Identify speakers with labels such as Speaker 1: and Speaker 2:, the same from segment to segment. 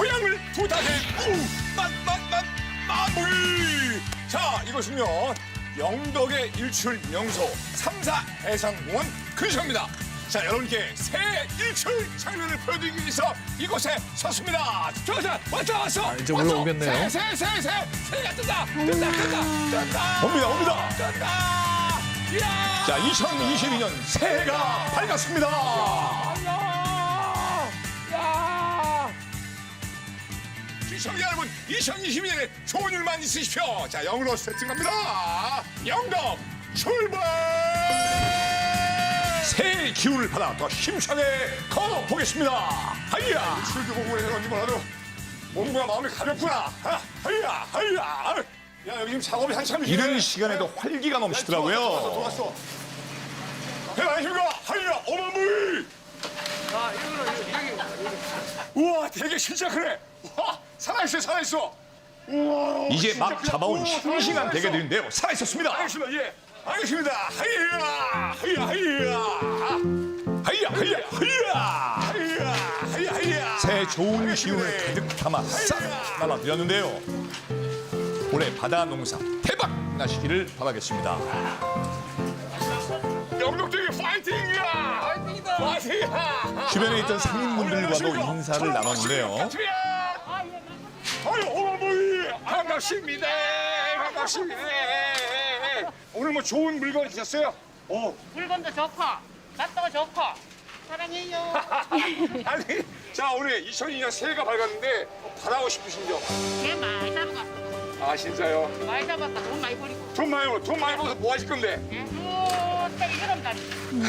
Speaker 1: 토양을 부탁해. 마무리. 자, 이것은요 영덕의 일출 명소 삼사 해상공원 근처입니다. 자, 여러분께 새 일출 장면을 보여드리기 위해서 이곳에 섰습니다. 자, 왔어.
Speaker 2: 이제 올라오겠네요.
Speaker 1: 새가 뜬다. 옵니다. 이야. 자, 2022년 새해가 밝았습니다. 시청자 여러분, 2022년에 좋은 일만 있으십시오. 자, 영으로 세팅 갑니다. 영덕 출발! 새해 기운을 받아 더 힘차게 걸어보겠습니다. 하이야! 출도 보고 해런지 몰라도 몸과 마음이 가볍구나. 하이야! 야, 여기 지금 작업이 한참이지. 이른 시간에도 활기가 넘치더라고요. 좋았어. 안녕하십니까? 하이야! 어마무이! 우와, 되게 진짜 그래. 와, 살아있어. 우와, 이제 막 잡아온 싱싱한 대게들인데요. 살아있었습니다. 알겠습니다. 하이야. 새해 좋은 기운을 가득 담아 싹 날아드렸는데요. 올해 바다 농사 대박 나시기를 바라겠습니다. 영덕대기 파이팅이야! 파이팅이야! 주변에 있던 상인분들과도 인사를 나눴는데요. 아유, 어머니! 반갑습니다. 오늘 뭐 좋은 물건 있었어요?
Speaker 3: 물건도 좋고 맛도 좋고 사랑해요.
Speaker 1: 아니, 자, 오늘 2002년 새해가 밝았는데 바라고 싶으신 점?
Speaker 3: 개 많이 잡아갔어.
Speaker 1: 아, 진짜요?
Speaker 3: 많이 잡았다. 돈 많이 버리고.
Speaker 1: 돈 많이 벌어서 뭐 하실 건데?
Speaker 3: 딱 여름 달.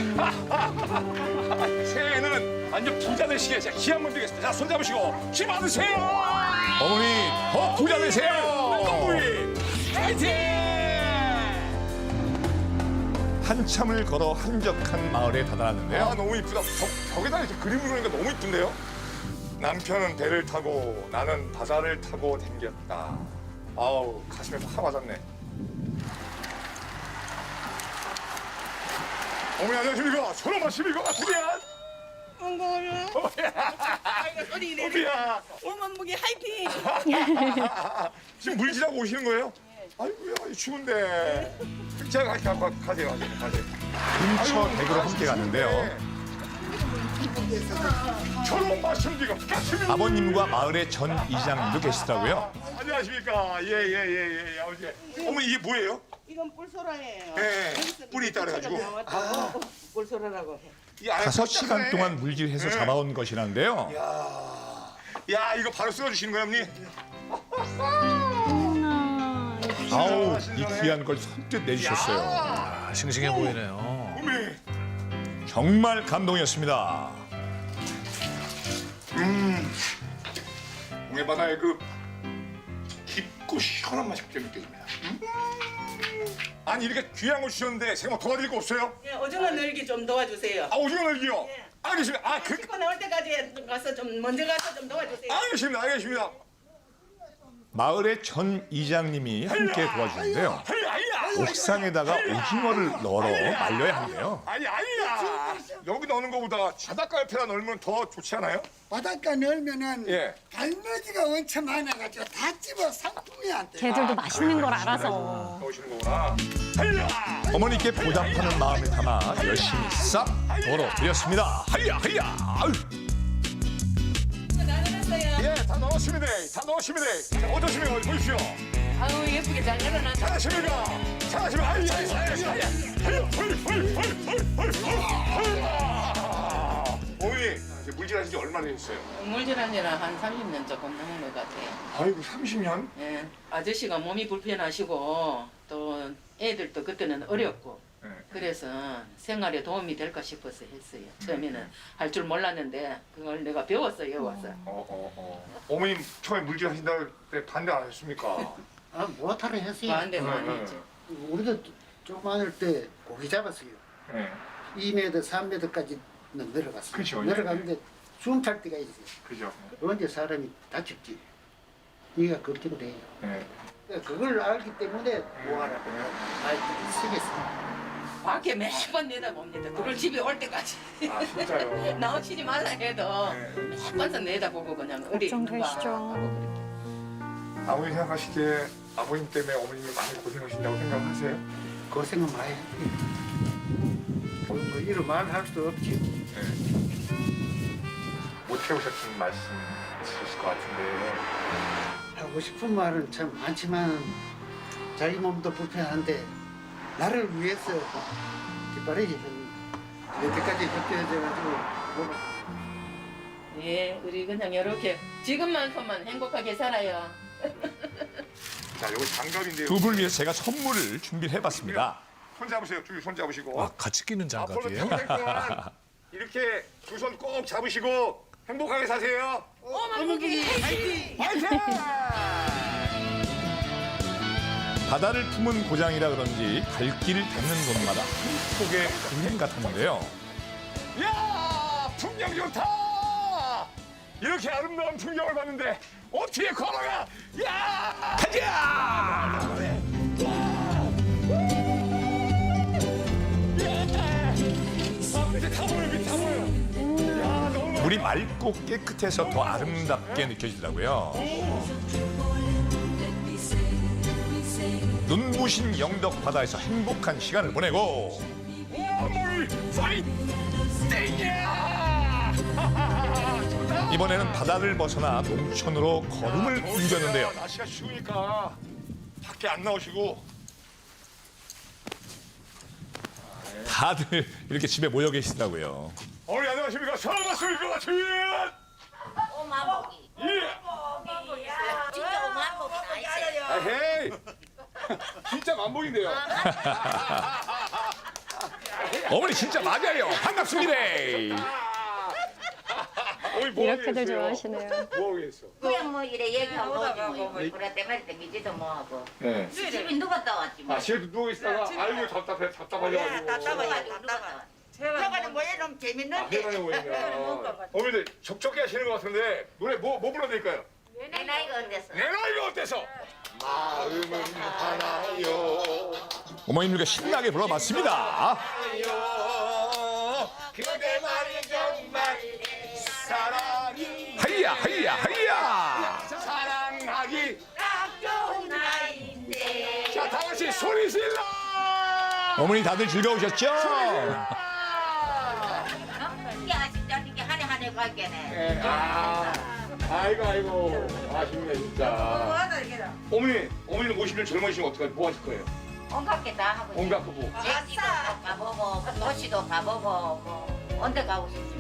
Speaker 1: 새해에는 완전 부자 되시게 제가 기 한번 드리겠습니다. 자, 손 잡으시고 기 받으세요. 어머니, 더 부자 되세요. 어머니, 파이팅! 한참을 걸어 한적한 마을에 다다랐는데요. 아, 너무 이쁘다. 벽에다 이렇게 그림을 그리니까 너무 이쁜데요? 남편은 배를 타고 나는 바다를 타고 댕겼다. 아우, 가슴에 확 와닿네. 어머니, 안녕하십니까? 서로 마십니까? 어떻게 어디야?
Speaker 4: 오만무기 화이팅!
Speaker 1: 지금 물질하고 오시는 거예요? 아이고야, 추운데. 제가 가세요. 근처 댁으로 함께 갔는데요. 저런 마십니까? 아버님과 마을의 전 이장님도 계시더라고요. 안녕하십니까? 예, 아버지. 어머니, 이게 뭐예요?
Speaker 4: 이건 뿔소라예요.
Speaker 1: 예, 뿔이 있다 그래가지고.
Speaker 4: 뿔소라라고 해.
Speaker 1: 5시간 동안 물질해서 잡아온 것이라는데요. 야, 이거 바로 쓸어주시는 거예요, 어머니? 아우, 이 귀한 걸 선뜻 내주셨어요.
Speaker 2: 아, 싱싱해 보이네요.
Speaker 1: 어머니, 정말 감동이었습니다. 동해바다의 그 깊고 시원한 맛이 그때 느껴집니다. 아니, 이렇게 귀한 걸 주셨는데 제가 뭐 도와드릴 거 없어요?
Speaker 4: 예, 오징어 늘기 좀 도와주세요.
Speaker 1: 아, 오징어 날기요?
Speaker 4: 예.
Speaker 1: 알겠습니다.
Speaker 4: 씻고 나올 때까지 가서 좀 먼저 가서 좀 도와주세요.
Speaker 1: 알겠습니다. 마을의 전 이장님이 함께 도와주는데요. 옥상에다가 오징어를 널어 말려야 하는데요. 아니야. 여기 넣는 것보다 바닷가 옆에다 넣으면 더 좋지 않아요?
Speaker 5: 바닷가 넣으면은
Speaker 1: 예.
Speaker 5: 갈매기가 엄청 많아가지고 다 집어 상품이 안 돼.
Speaker 6: 걔들도 맛있는 걸 알아서.
Speaker 1: 넣으시는 거구나. 어머니께 보답하는 마음을 담아 열심히 싹 덜어드렸습니다. 하이야. 예, 다 넣었습니다. 자, 어떠십니까? 보십시오.
Speaker 3: 아유 예쁘게 잘 열어놨다.
Speaker 1: 잘하십니까? 어머니, 물질하신 지 얼마나 되셨어요?
Speaker 3: 물질한 지는 한 30년 조금 넘은 것 같아요.
Speaker 1: 아이고, 30년?
Speaker 3: 예, 아저씨가 몸이 불편하시고 또 애들도 그때는 어렵고
Speaker 1: 네.
Speaker 3: 그래서 생활에 도움이 될까 싶어서 했어요. 처음에는 할 줄 몰랐는데 그걸 내가 배웠어요 와서.
Speaker 1: 어머님 처음에 물질 하신다 때 반대 안 하셨습니까?
Speaker 5: 아, 못하러 했어요.
Speaker 3: 반대 많이 했지.
Speaker 5: 우리도 조그마할 때 고기 잡았어요.
Speaker 1: 네.
Speaker 5: 2m, 3m까지 내려갔어요.
Speaker 1: 그죠, 예.
Speaker 5: 내려갔는데 숨 탈 때가 있어요.
Speaker 1: 그죠.
Speaker 5: 언제 사람이 다쳤지. 이가 걱정돼요.
Speaker 1: 네.
Speaker 5: 그걸 알기 때문에 뭐하라고 말들이 쓰겠어요.
Speaker 3: 밖에 매번 내다봅니다. 그걸 집에 올 때까지.
Speaker 1: 아 진짜요?
Speaker 3: 나오시지 말라 해도 매번 내다보고 그냥 어디 있는가
Speaker 6: 걱정되시죠.
Speaker 3: 하고 그렇게.
Speaker 1: 아버님 생각하시기에 아버님 때문에 어머님이 많이 고생하신다고 생각하세요?
Speaker 5: 고생은 많이 했지. 뭐 이런 말 할 수 없지.
Speaker 1: 못 해오셨던 말씀 있으실 것 같은데
Speaker 5: 하고 싶은 말은 참 많지만 자기 몸도 불편한데 나를 위해서 뒷바라지 여태까지 협조해줘가지고 뭐
Speaker 3: 예, 우리 그냥 이렇게 지금만큼만 행복하게 살아요.
Speaker 1: 자 요거 장갑인데요.
Speaker 7: 두 분을 위해서 제가 선물을 준비를 해봤습니다.
Speaker 1: 손 잡으세요. 두 손 잡으시고
Speaker 2: 아, 같이 끼는
Speaker 1: 앞으로
Speaker 2: 장갑이에요?
Speaker 1: 평생 동안 이렇게 두 손 꼭 잡으시고 행복하게 사세요.
Speaker 4: 어머니 화이팅!
Speaker 1: 화이팅!
Speaker 7: 바다를 품은 고장이라 그런지 갈 길을 닿는 곳마다 한폭의 은행 같았는데요.
Speaker 1: 야 풍경 좋다. 이렇게 아름다운 풍경을 봤는데 어떻게 걸어가? 야 가자! 밑에 다 보여, 밑에 다 보여. 야 너무
Speaker 7: 물이 맑고 깨끗해서 더 아름답게 느껴지더라고요. 눈부신 영덕 바다에서 행복한 시간을 보내고
Speaker 1: 물 파이팅이야!
Speaker 7: 이번에는 바다를 벗어나 농촌으로 걸음을 옮겼는데요.
Speaker 1: 날씨가 추우니까 밖에 안 나오시고
Speaker 7: 다들 이렇게 집에 모여 계시더라고요.
Speaker 1: 어머니 안녕하십니까? 처음 봤습니까? 같은
Speaker 8: 오만복이
Speaker 1: 예!
Speaker 8: 진짜 오만복이 다 있어요.
Speaker 1: 아, 헤이! 진짜 만복인데요.
Speaker 7: 어머니 진짜 맞아요. 반갑습니다.
Speaker 1: 어머니 뭐
Speaker 6: 이렇게들
Speaker 1: 하고 계세요?
Speaker 6: 좋아하시네요.
Speaker 1: 뭐 하고 계세요?
Speaker 8: 그냥 뭐 이래 얘기하고 오지 뭐 그래 때문에 땡기지도 뭐하고
Speaker 1: 네.
Speaker 8: 집에 누가 떠왔지 뭐.
Speaker 1: 아, 집에 누워 있다가 아이고 답답하셔가지고.
Speaker 8: 누가가지고 누가 떠왔지.
Speaker 4: 저거는 뭐 이런 재밌는데.
Speaker 1: 대단해 보이네요. 어머니들 적적해 하시는 것 같은데 노래 뭐 불러드릴까요?
Speaker 8: 내 나이가 어때서?
Speaker 1: 내 나이가 어때서? 마음은 하나요.
Speaker 7: 어머님들과 신나게 불러봤습니다.
Speaker 1: 그대 말이 정말 사랑이
Speaker 7: 하이야 하이야 하이야.
Speaker 1: 사랑하기.
Speaker 8: 딱 좋은 나이인데.
Speaker 1: 자, 다 같이 소리 질러.
Speaker 7: 어머니 다들 즐거우셨죠?
Speaker 8: 이게 진짜 이게 한 해 갈게네.
Speaker 1: 아이고 아쉽네 진짜. 어머니는 모시면 젊으시면 어떡하지? 뭐 하실 거예요?
Speaker 8: 온갖 게 다 하고.
Speaker 1: 온갖 거 뭐?
Speaker 8: 제기도 가보고 도시도 가보고 뭐 언제 가고 싶지.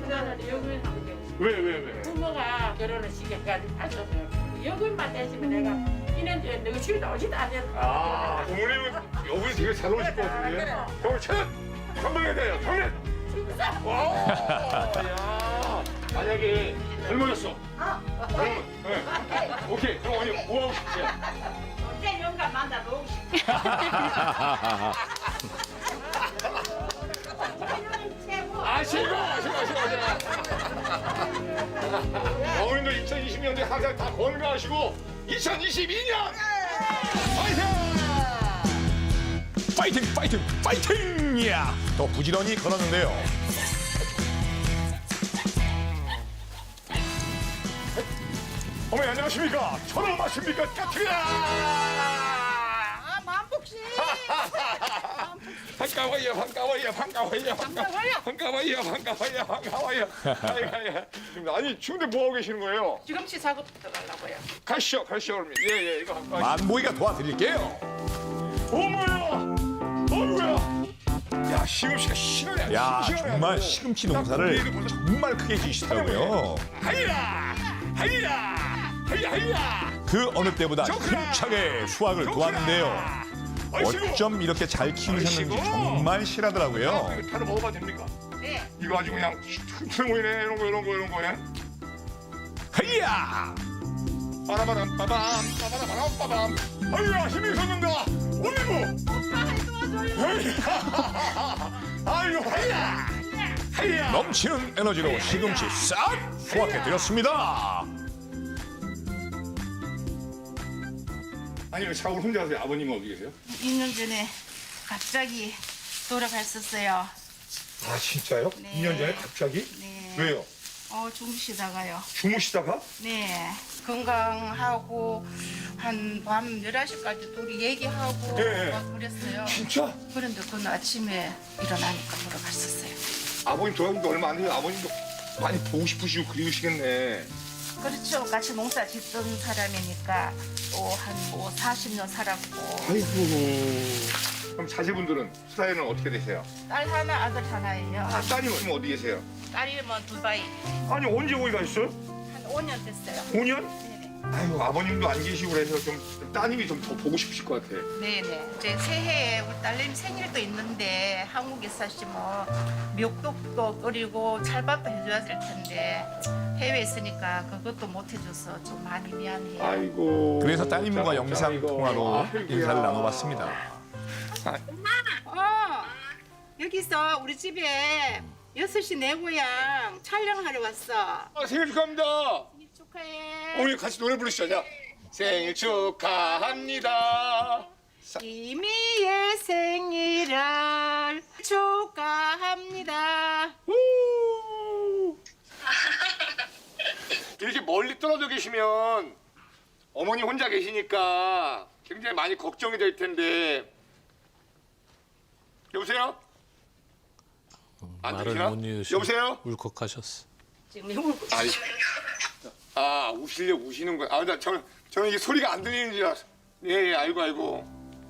Speaker 1: 왜?
Speaker 9: 부모가 결혼을 시켜까지 하셨어요. 여금만 되시면 내가 이년주에 너희 집에 오지도 않았어.
Speaker 1: 아, 어머님은 여분이 되게 잘 오실 것 같은데. 그럼 첫 선명해야 돼요. 정리. 와, 야, 만약에 젊어졌어. 그러면, 네. 오케이. 그럼 어머니 뭐 하고 싶으세요?
Speaker 9: 언제 영감 만나 놓고 싶어.
Speaker 1: 아시고. 어머님도 2020년도에 항상 다 건강하시고 2022년 파이팅!
Speaker 7: 파이팅 파이팅 파이팅이야. 더 부지런히 걸었는데요.
Speaker 1: 어머니 안녕하십니까? 저는 맞습니까? 까트야!
Speaker 4: 만복씨.
Speaker 1: 반가워요. 아니 추운데 뭐 하고 계시는 거예요?
Speaker 9: 지금치 사고 들어가려고요.
Speaker 1: 가시죠 그러면. 예, 이거 갖고 가시죠.
Speaker 7: 만보이가 도와드릴게요.
Speaker 1: 어머야. 야, 시금치가 신하네.
Speaker 7: 야 정말 시금치 농사를 정말 크게 지으시더라고요.
Speaker 1: 하이야.
Speaker 7: 그 어느 때보다 힘차게 수확을 도왔는데요. 어쩜 이렇게 잘 키우셨는지 정말 실하더라고요.
Speaker 1: 이거 바로 먹어봐도 됩니까?
Speaker 8: 네.
Speaker 1: 이거 아주 그냥 튼튼 보이네. 이런 거네.
Speaker 7: 하이야.
Speaker 1: 빠라바람 빠밤. 아이야, 힘이 솟는다. 어이구. 아이고, 하이야.
Speaker 7: 넘치는 에너지로 시금치 싹 수확해드렸습니다.
Speaker 1: 아니 왜 작업을 혼자 하세요? 아버님은 어디 계세요?
Speaker 4: 2년 전에 갑자기 돌아갔었어요.
Speaker 1: 아 진짜요?
Speaker 4: 네.
Speaker 1: 2년 전에 갑자기?
Speaker 4: 네.
Speaker 1: 왜요?
Speaker 4: 주무시다가요.
Speaker 1: 주무시다가?
Speaker 4: 네. 건강하고 한 밤 11시까지 둘이 얘기하고
Speaker 1: 네.
Speaker 4: 막 그랬어요.
Speaker 1: 진짜?
Speaker 4: 그런데 그날 아침에 일어나니까 돌아갔었어요.
Speaker 1: 아버님 돌아가신 지 얼마 안 돼요. 아버님도 많이 보고 싶으시고 그리우시겠네.
Speaker 4: 그렇죠. 같이 농사 짓던 사람이니까 또 한 40년 살았고
Speaker 1: 아이고. 그럼 자제분들은 사이는 어떻게 되세요?
Speaker 4: 딸 하나 아들 하나예요.
Speaker 1: 따님은 지금 어디 계세요?
Speaker 4: 딸이면 두바이
Speaker 1: 아니 언제 거기 가셨어요?
Speaker 4: 한 5년 됐어요.
Speaker 1: 5년?
Speaker 4: 네네.
Speaker 1: 아이고 아버님도 안 계시고 그래서 좀 따님이 좀 더 보고 싶으실 것 같아.
Speaker 4: 네네. 이제 새해에 우리 딸내미 생일도 있는데 한국에 사시면 미역국도 끓이고 찰밥도 해줘야 될 텐데 해외에 있으니까 그것도 못 해줘서 좀 많이 미안해요.
Speaker 1: 아이고.
Speaker 7: 그래서 따님과
Speaker 1: 진짜,
Speaker 7: 영상
Speaker 1: 아이고.
Speaker 7: 통화로
Speaker 1: 아이고야.
Speaker 7: 인사를 나눠봤습니다.
Speaker 4: 여기서 우리 집에 6시 내 고향 촬영하러 왔어.
Speaker 1: 아, 생일 축하합니다.
Speaker 4: 생일 축하해.
Speaker 1: 어머니 같이 노래 부르시죠. 자. 생일 축하합니다.
Speaker 4: 이미의 생일을 축하합니다.
Speaker 1: 이렇게 멀리 떨어져 계시면 어머니 혼자 계시니까 굉장히 많이 걱정이 될 텐데. 여보세요? 안
Speaker 2: 말을
Speaker 1: 들리나?
Speaker 2: 못 이으시고
Speaker 1: 여보세요?
Speaker 2: 울컥하셨어.
Speaker 1: 아니, 우시려고 우시는 거야. 저는 이게 소리가 안 들리는 줄 알았어. 예, 알고.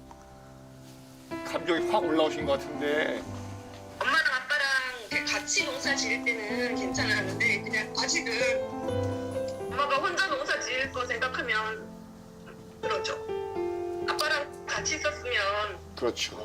Speaker 1: 감정이 확 올라오신 것 같은데.
Speaker 10: 엄마랑 아빠랑 이렇게 같이 농사 지을 때는 괜찮았는데 그냥 아직은 엄마가 혼자 농사 지을 거 생각하면 그러죠. 아빠랑 같이 있었으면
Speaker 1: 그렇죠.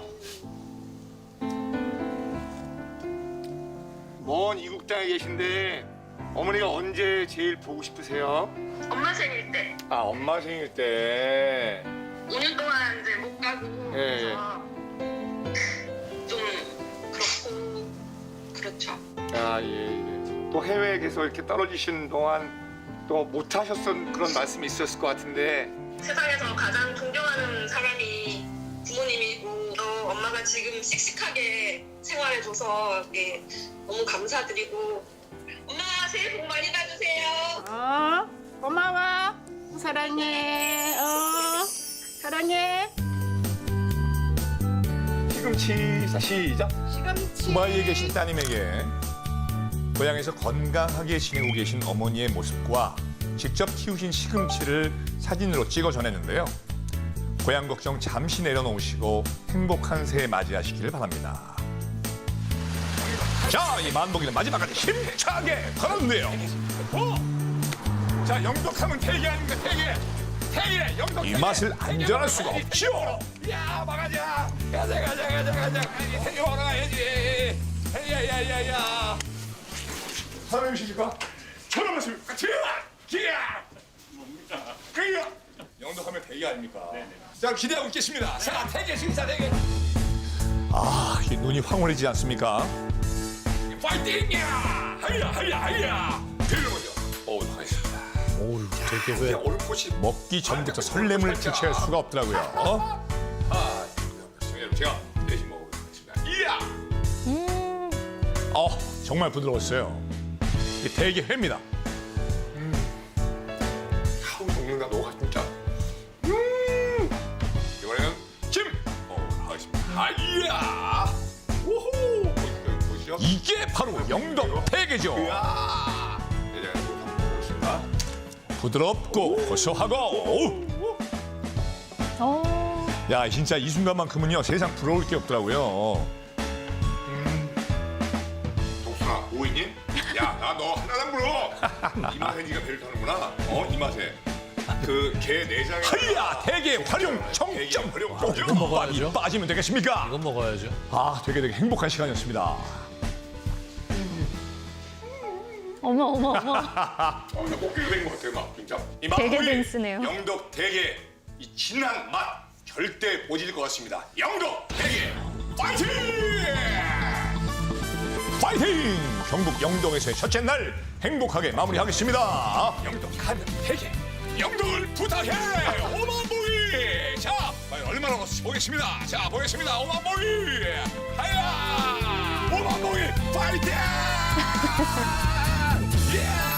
Speaker 1: 먼 이국 땅에 계신데 어머니가 언제 제일 보고 싶으세요?
Speaker 10: 엄마 생일 때
Speaker 1: 아, 엄마 생일 때.
Speaker 10: 5년 동안 이제 못 가고
Speaker 1: 예,
Speaker 10: 그래서 좀 그렇고 그렇죠.
Speaker 1: 아, 예. 또 해외에 계속 이렇게 떨어지신 동안 또 못하셨던 그런 말씀이 있었을 것 같은데.
Speaker 10: 세상에서 가장 존경하는 사람이 부모님이고 또 엄마가 지금 씩씩하게 생활해줘서 이게 너무 감사드리고 엄마 새해 복 많이 받으세요.
Speaker 4: 고마워. 사랑해. 사랑해.
Speaker 1: 시금치. 자, 시작.
Speaker 4: 시금치.
Speaker 7: 두바이에 계신 따님에게 고향에서 건강하게 지내고 계신 어머니의 모습과 직접 키우신 시금치를 사진으로 찍어 전했는데요. 고향 걱정 잠시 내려놓으시고 행복한 새해 맞이하시기를 바랍니다. 자, 이 만복이는 마지막까지 힘차게 걸었는데요.
Speaker 1: 자, 영덕하면 대게 아닙니까? 대게, 영덕.
Speaker 7: 이 맛을 안전할 수가 없죠.
Speaker 1: 야, 막아자. 가자. 대게 먹으러 가야지. 야야야야. 사람이십니까? 저런 말씀입니까? 기야. 뭡니까? 그야. 영덕하면 대게 아닙니까? 네네. 자, 기대하고 있겠습니다. 자, 대게 식사 대게.
Speaker 7: 아, 이 눈이 황홀해지지 않습니까?
Speaker 1: 파이팅이야! 하야! 들어보죠. 나가겠습니다.
Speaker 2: 오우, 되게 왜
Speaker 1: 얼음꽃이
Speaker 7: 먹기 전부터 설렘을 주체할 수가 없더라고요.
Speaker 1: 제가 대신 먹어보겠습니다. 이야!
Speaker 7: 정말 부드러웠어요. 이 대게회입니다.
Speaker 1: 하우 동영다 녹아 진짜. 이번에는 김 하겠습니다. 이야! 우후! 보시죠.
Speaker 7: 이게 바로 영덕 대게죠.
Speaker 1: 이야! 네, 제가 먹어보겠습니다.
Speaker 7: 부드럽고 고소하고. 야, 진짜 이 순간만큼은요 세상 부러울 게 없더라고요.
Speaker 1: 독순아, 오이님? 야, 나 너 하나만 물어. 이 맛에 네가 배를 타는구나. 이 맛에. 그 게 내장에.
Speaker 7: 하야, 대게 활용 정점.
Speaker 2: 이거 먹어야죠.
Speaker 7: 빠지면 되겠습니까?
Speaker 2: 이건 먹어야죠.
Speaker 7: 되게 행복한 시간이었습니다.
Speaker 6: 어머.
Speaker 1: 나 목소리가 된것 같아요, 막 진짜. 이
Speaker 6: 대게
Speaker 1: 맛보이
Speaker 6: 댄스네요.
Speaker 1: 영덕 대게 이 진한 맛 절대 못 잊을 것 같습니다. 영덕 대게 파이팅!
Speaker 7: 파이팅! 경북 영동에서의 첫째 날 행복하게 마무리하겠습니다.
Speaker 1: 영덕 하면 대게 영덕을 부탁해. 오만보이. 자, 과연 얼마나 먹었어? 보겠습니다. 자, 보겠습니다. 오만봉이! 하야! 오만봉이 파이팅! 예!